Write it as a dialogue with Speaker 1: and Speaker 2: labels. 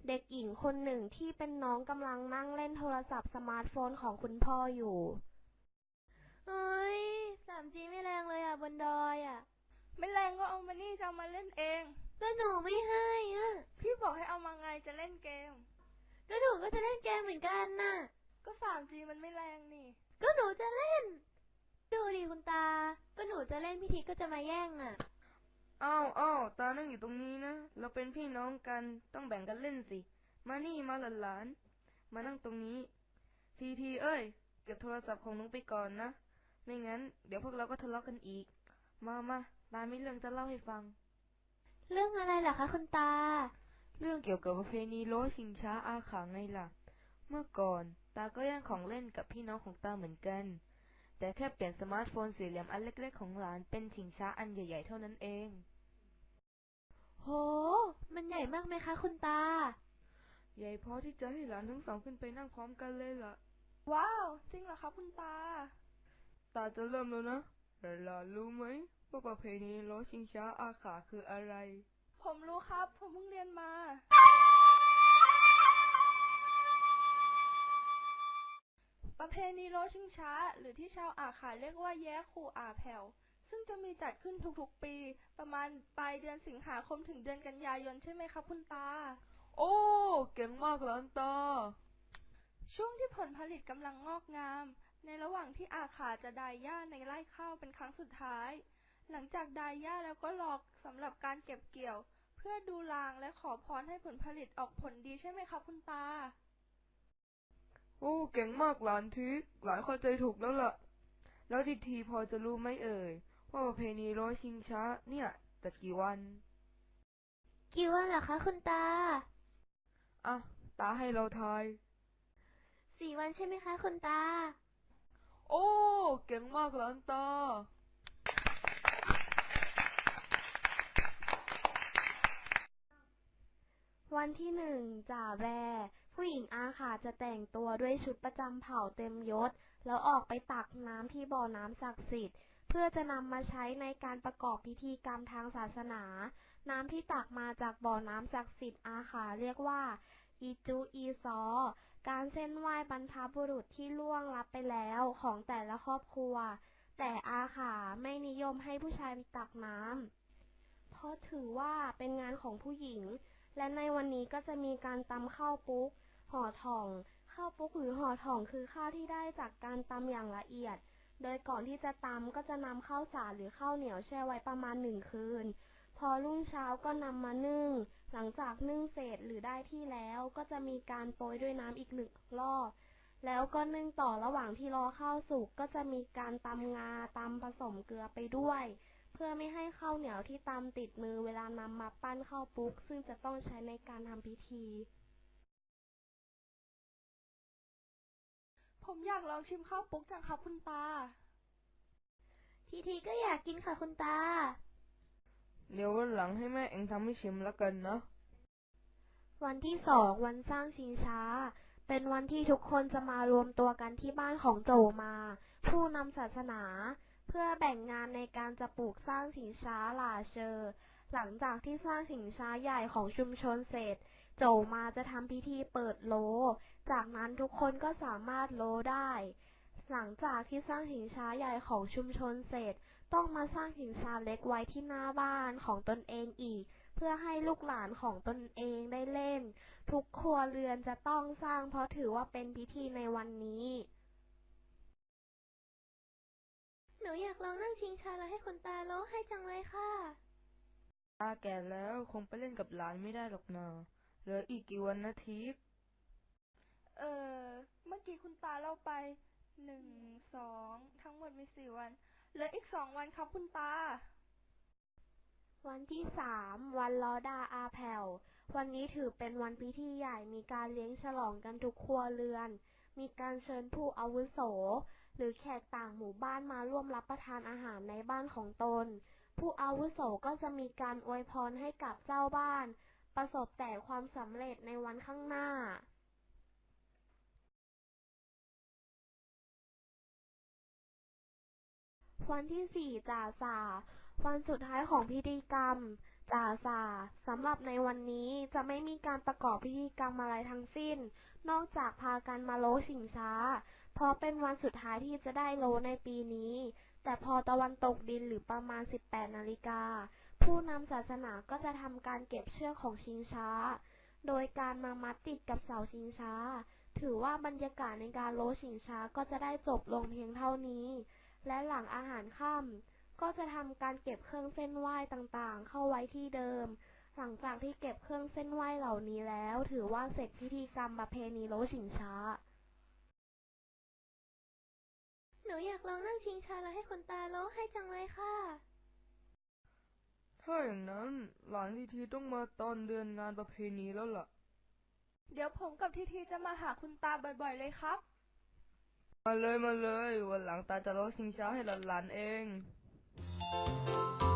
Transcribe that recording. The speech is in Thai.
Speaker 1: เด็กหญิงคนหนึ่งที่เป็นน้องกำลังนั่งเล่นโทรศัพท์สมาร์ทโฟนของคุณพ่ออยู่เฮ้ย 3G ไม่แรงเลยอ่ะบนดอยอ่ะ
Speaker 2: ไม่แรงก็เอามานี่จะเอามาเล่นเอง
Speaker 1: ก็หนูไม่ให้อ่ะ
Speaker 2: พี่บอกให้เอามาไงจะเล่นเกม
Speaker 1: ก็หนูก็จะเล่นเกมเหมือนกันน่ะ
Speaker 2: ก็ 3G มันไม่แรงนี่
Speaker 1: ก็หนูจะเล่นดูดิคุณตาก็หนูจะเล่นพี่ทีก็จะมาแย่งอ่ะ
Speaker 3: อ้าวตานั่งอยู่ตรงนี้นะเราเป็นพี่น้องกันต้องแบ่งกันเล่นสิมานี่มาหลานๆมานั่งตรงนี้ทีเอ้ยเก็บโทรศัพท์ของน้องไปก่อนนะไม่งั้นเดี๋ยวพวกเราก็ทะเลาะกันอีกมาตามีเรื่องจะเล่าให้ฟัง
Speaker 1: เรื่องอะไรล่ะคะคุณตา
Speaker 3: เรื่องเกี่ยวกับประเพณีโล้ชิงช้าอาขาไงล่ะเมื่อก่อนตาก็แย่งของเล่นกับพี่น้องของตาเหมือนกันแต่แค่เปลี่ยนสมาร์ทโฟนสี่เหลี่ยมอันเล็กๆของหลานเป็นชิงช้าอันใหญ่ๆเท่านั้นเอง
Speaker 1: โหมันใหญ่มากไหมคะคุณตา
Speaker 3: ใหญ่พอที่จะให้หลานทั้งสองขึ้นไปนั่งพร้อมกันเลยล่ะ
Speaker 2: ว้าวจริงเหรอครับคุณตา
Speaker 3: จะเริ่มแล้วนะหลานรู้ไหมว่าประเพณีโล้ชิงช้าอาขาคืออะไร
Speaker 2: ผมรู้ครับผมเพิ่งเรียนมาประเพณีโล้ชิงช้าหรือที่ชาวอาขาเรียกว่าแย้ขู่อาแผ่วซึ่งจะมีจัดขึ้นทุกๆปีประมาณปลายเดือนสิงหาคมถึงเดือนกันยายนใช่ไหมครับคุณตา
Speaker 3: โอ้เก่งมากหลานตา
Speaker 2: ช่วงที่ผลผลิตกำลังงอกงามในระหว่างที่อาขาจะดายหญ้าในไร่ข้าวเป็นครั้งสุดท้ายหลังจากดายหญ้าแล้วก็รอสำหรับการเก็บเกี่ยวเพื่อดูรางและขอพรให้ผลผลิตออกผลดีใช่ไหมครับคุณตา
Speaker 3: โอ้เก่งมากหลานทิกหลานเข้าใจถูกแล้วล่ะแล้วทีพอจะรู้ไหมเอ่ยว่าประเพณีโล้ชิงช้าเนี่ยจัดกี่วัน
Speaker 1: เหรอคะคุณตา
Speaker 3: อ่ะตาให้เราทาย
Speaker 1: 4 วันใช่ไหมคะคุณตา
Speaker 3: โอ้เก่งมากหลานตา
Speaker 1: วันที่1 จ่าแบผู้หญิงอาขาจะแต่งตัวด้วยชุดประจำเผ่าเต็มยศแล้วออกไปตักน้ำที่บ่อน้ำศักดิ์สิทธิ์เพื่อจะนำมาใช้ในการประกอบพิธีกรรมทางศาสนาน้ำที่ตักมาจากบ่อน้ำศักดิ์สิทธิ์อาขาเรียกว่าอีจูอีซอการเส้นไหว้บรรพบุรุษที่ล่วงลับไปแล้วของแต่ละครอบครัวแต่อาขาไม่นิยมให้ผู้ชายตักน้ำเพราะถือว่าเป็นงานของผู้หญิงและในวันนี้ก็จะมีการตำข้าวปุ๊กห่อถ่องข้าวปุ๊กหรือห่อถ่องคือข้าวที่ได้จากการตำอย่างละเอียดโดยก่อนที่จะตำก็จะนำข้าวสารหรือข้าวเหนียวแช่ไว้ประมาณ1 คืนพอรุ่งเช้าก็นำมานึ่งหลังจากนึ่งเสร็จหรือได้ที่แล้วก็จะมีการโปรยด้วยน้ำอีก1 รอบแล้วก็นึ่งต่อระหว่างที่รอข้าวสุกก็จะมีการตำงาตำผสมเกลือไปด้วยเพื่อไม่ให้ข้าวเหนียวที่ตำติดมือเวลานำมาปั้นข้าวปุ๊กซึ่งจะต้องใช้ในการทำพิธี
Speaker 2: ผมอยากลองชิมข้าวปุ๊กจังครับคุณตา
Speaker 1: ทีก็อยากกินค่ะคุณตา
Speaker 3: เดี๋ยววันหลังให้แม่เองทำให้ชิมแล้วกันนะ
Speaker 1: วันที่2 วันสร้างชิงช้าเป็นวันที่ทุกคนจะมารวมตัวกันที่บ้านของโจมาผู้นำศาสนาเพื่อแบ่งงานในการจะปลูกสร้างชิงช้าหล่าเชอหลังจากที่สร้างชิงช้าใหญ่ของชุมชนเสร็จโจมาจะทำพิธีเปิดโลจากนั้นทุกคนก็สามารถโลได้หลังจากที่สร้างชิงช้าใหญ่ของชุมชนเสร็จต้องมาสร้างชิงช้าเล็กไว้ที่หน้าบ้านของตนเองอีกเพื่อให้ลูกหลานของตนเองได้เล่นทุกครัวเรือนจะต้องสร้างเพราะถือว่าเป็นพิธีในวันนี้หนูอยากลองนั่งชิงช้าแล้วให้คุณตาโลให้จังเลยค่ะ
Speaker 3: ตาแก่แล้วคงไปเล่นกับหลานไม่ได้หรอกนะเหลืออีกกี่วันนะทิก
Speaker 2: เอเมื่อกี้คุณตาเล่าไป1 2ทั้งหมดมี4 วันเหลืออีก2 วันครับคุณตา
Speaker 1: วันที่3 วันลอดาอาแผ่ววันนี้ถือเป็นวันพิธีใหญ่มีการเลี้ยงฉลองกันทุกครัวเรือนมีการเชิญผู้อาวุโสหรือแขกต่างหมู่บ้านมาร่วมรับประทานอาหารในบ้านของตนผู้อาวุโสก็จะมีการอวยพรให้กับเจ้าบ้านประสบแต่ความสำเร็จในวันข้างหน้าวันที่4 จ่าส่าวันสุดท้ายของพิธีกรรมจ่าสาสำหรับในวันนี้จะไม่มีการประกอบพิธีกรรมอะไรทั้งสิ้นนอกจากพากันมาโลชิงช้าเพราะเป็นวันสุดท้ายที่จะได้โลในปีนี้แต่พอตะวันตกดินหรือประมาณ 18 นาฬิกาผู้นำศาสนาก็จะทำการเก็บเชือกของชิงช้าโดยการมามัดติดกับเสาชิงช้าถือว่าบรรยากาศในการโลชิงช้าก็จะได้จบลงเพียงเท่านี้และหลังอาหารค่ำก็จะทำการเก็บเครื่องเส้นไหว้ต่างๆเข้าไว้ที่เดิมหลังจากที่เก็บเครื่องเส้นไหว้เหล่านี้แล้วถือว่าเสร็จพิธีกรรมประเพณีโลชิงช้าหนูอยากลองนั่งชิงช้าแล้วให้คุณตาโลให้จังเลยค่ะ
Speaker 3: ถ้าอย่างนั้นหลานทีทีต้องมาตอนเดือนงานประเพณีแล้วล่ะ
Speaker 2: เดี๋ยวผมกับทีทีจะมาหาคุณตาบ่อยๆเลยครับ
Speaker 3: มาเลยวันหลังตาจะโลชิงช้าให้หลานๆเอง